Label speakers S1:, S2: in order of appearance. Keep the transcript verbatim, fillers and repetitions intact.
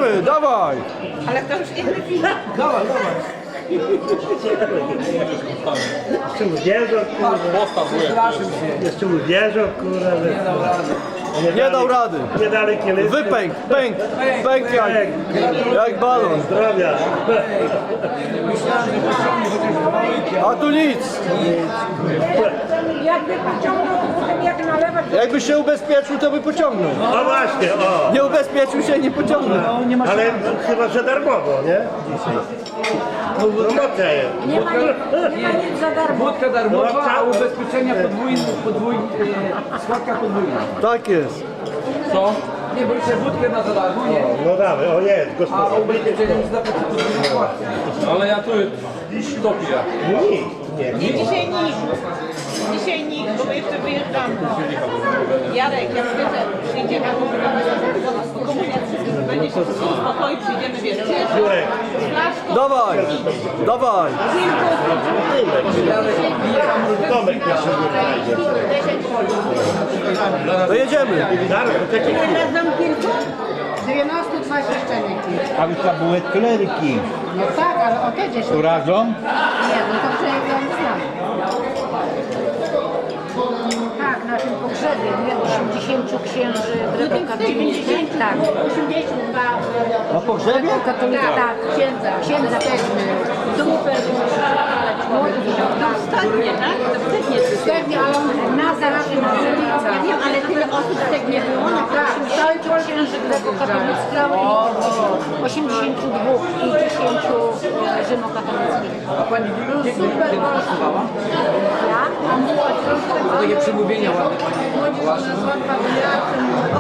S1: Jedziemy, dawaj!
S2: Ale to już inny film.
S1: Dawaj, dawaj.
S3: Jeszcze uwierzą, kurwa. Jeszcze uwierzą, kurwa.
S1: Nie dał rady.
S3: Nie dali kielich.
S1: Wypęk, pęk, pęk jak, jak balon.
S3: Zdrowia.
S1: A tu nic.
S2: Jakby pociągnął, to potem jak nalewać.
S1: Jakby się ubezpieczył, to by pociągnął.
S3: No właśnie, o.
S1: Nie ubezpieczył się, nie pociągnął.
S3: Ale chyba, że darmowo, nie? Promocja jest.
S2: Nie ma, nic- nie ma nic za darmo.
S4: Wódka darmowa, a ubezpieczenia podwójne, podwójne, e, składka podwójna.
S1: Tak jest.
S4: Co? Nie, bo jeszcze wódkę na za darmo, nie?
S3: No dawaj, o jest,
S4: A
S3: gospodarz.
S4: ubezpieczenie musi zapłacić podwójną składkę.
S5: Ale ja tu topię.
S3: Nie,
S2: Nie, dzisiaj nikt. Dzisiaj nikt, bo my jeszcze wyjeżdżamy. Jarek, jak wiedzę, przyjdziemy do komunia wszystkich, będzie się wszystko spokoi, przyjdziemy, wiesz,
S3: Jurek.
S2: z flaszką,
S1: Dawaj, dawaj.
S3: Tomek jeszcze nie
S1: To jedziemy.
S3: Zaraz, poczekaj.
S2: Razem kilku?
S6: dziewiętnaście dwa świeszczenek.
S7: A wy to były kleryki.
S6: No tak, ale o te dziesięć.
S7: Tu razem?
S6: Nie, no to przejawiam znam. Tak, na tym pogrzebie, nie? osiemdziesięciu księży grekokatolickich. Tak. osiemdziesiąt dwa.
S7: Na pogrzebie?
S6: Katolika, tak. Księdza. Księdza też. Super. Młody
S2: Ostatnie, tak? To wstydnie.
S6: Pewnie, ale on na zawsze na
S2: Ja wiem, ale tyle osób tak nie było. No
S6: tak, osiemdziesięciu księży grekokatolickich i osiemdziesięciu dwóch i dziesięciu rzymokatolickich.
S4: A pani gdzie
S6: Super
S4: kosztowała?
S6: Ja? A młodzi.
S4: A takie przemówienia ładne pani
S6: Młodzi
S4: była.
S6: nas łatwa wyjazd.